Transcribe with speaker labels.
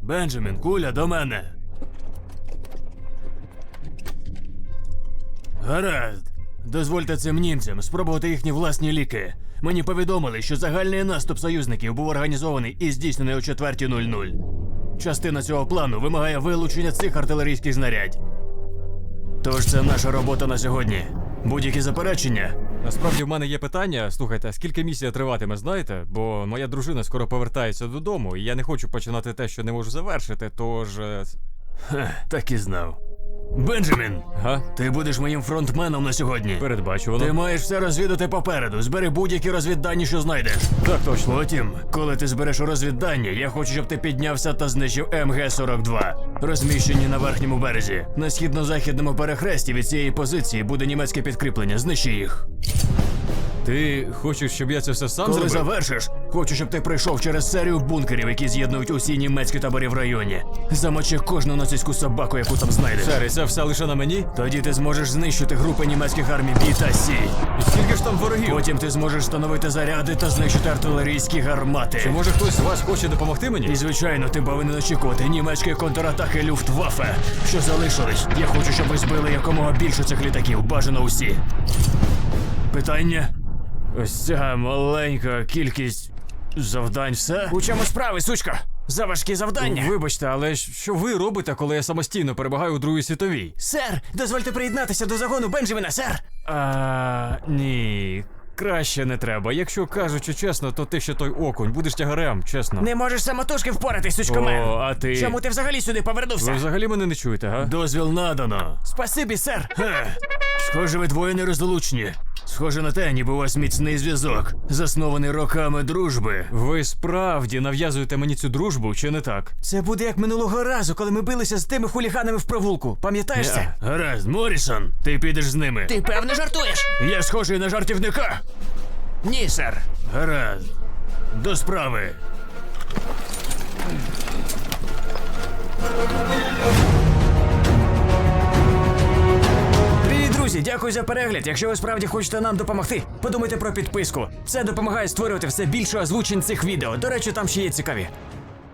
Speaker 1: Бенджамін, куля до мене. Гаразд. Дозвольте цим німцям спробувати їхні власні ліки. Мені повідомили, що загальний наступ союзників був організований і здійснений о 4:00. Частина цього плану вимагає вилучення цих артилерійських знарядь. Тож це наша робота на сьогодні. Будь-які заперечення?
Speaker 2: Насправді в мене є питання. Слухайте, а скільки місія триватиме, знаєте? Бо моя дружина скоро повертається додому, і я не хочу починати те, що не можу завершити, тож...
Speaker 1: Так і знав. Бенджамін,
Speaker 2: Га?
Speaker 1: ти будеш моїм фронтменом на сьогодні.
Speaker 2: Передбачувано.
Speaker 1: Ти маєш все розвідати попереду. Збери будь-які розвіддані, що знайдеш.
Speaker 2: Так точно.
Speaker 1: Потім, коли ти збереш розвіддані, я хочу, щоб ти піднявся та знищив МГ-42. Розміщені на верхньому березі. На східно-західному перехресті від цієї позиції буде німецьке підкріплення. Знищи їх.
Speaker 2: Ти хочеш, щоб я це все сам
Speaker 1: Коли
Speaker 2: зробив?
Speaker 1: завершиш, хочу, щоб ти пройшов через серію бункерів, які з'єднують усі німецькі табори в районі. Замочи кожну нацистську собаку, яку там знайдеш.
Speaker 2: Сер, і це все лише на мені?
Speaker 1: Тоді ти зможеш знищити групи німецьких армій Бі та Сі.
Speaker 2: І скільки ж там ворогів?
Speaker 1: Потім ти зможеш встановити заряди та знищити артилерійські гармати.
Speaker 2: Чи може хтось з вас хоче допомогти мені?
Speaker 1: І звичайно, ти повинен очікувати німецької контратаки Люфтваффе, що залишились. Я хочу, щоб ви збили якомога більше цих літаків, бажано усі. Питання? Ось ця маленька кількість завдань все? У чому справи, сучка? За важкі завдання?
Speaker 2: Вибачте, але що ви робите, коли я самостійно перебігаю у Другій світовій?
Speaker 1: Сер, дозвольте приєднатися до загону Бенджаміна, сер!
Speaker 2: Ні. Краще не треба. Якщо кажучи чесно, то ти ще той окунь. Будеш тягарем, чесно.
Speaker 1: Не можеш самотужки впоратись, сучкомен!
Speaker 2: О, а ти?
Speaker 1: Чому ти взагалі сюди повернувся?
Speaker 2: Ви взагалі мене не чуєте, га?
Speaker 1: Дозвіл надано. Спасибі, сер. Схоже, ви двоє нерозлучні. Схоже на те, ніби у вас міцний зв'язок, заснований роками дружби.
Speaker 2: Ви справді нав'язуєте мені цю дружбу, чи не так?
Speaker 1: Це буде як минулого разу, коли ми билися з тими хуліганами в провулку. Пам'ятаєш це? Гаразд, Моррісон, ти підеш з ними.
Speaker 3: Ти певно жартуєш?
Speaker 1: Я схожий на жартівника.
Speaker 3: Ні, сер.
Speaker 1: Гаразд. До справи. Привіт, друзі! Дякую за перегляд. Якщо ви справді хочете нам допомогти, подумайте про підписку. Це допомагає створювати все більше озвучень цих відео. До речі, там ще є цікаві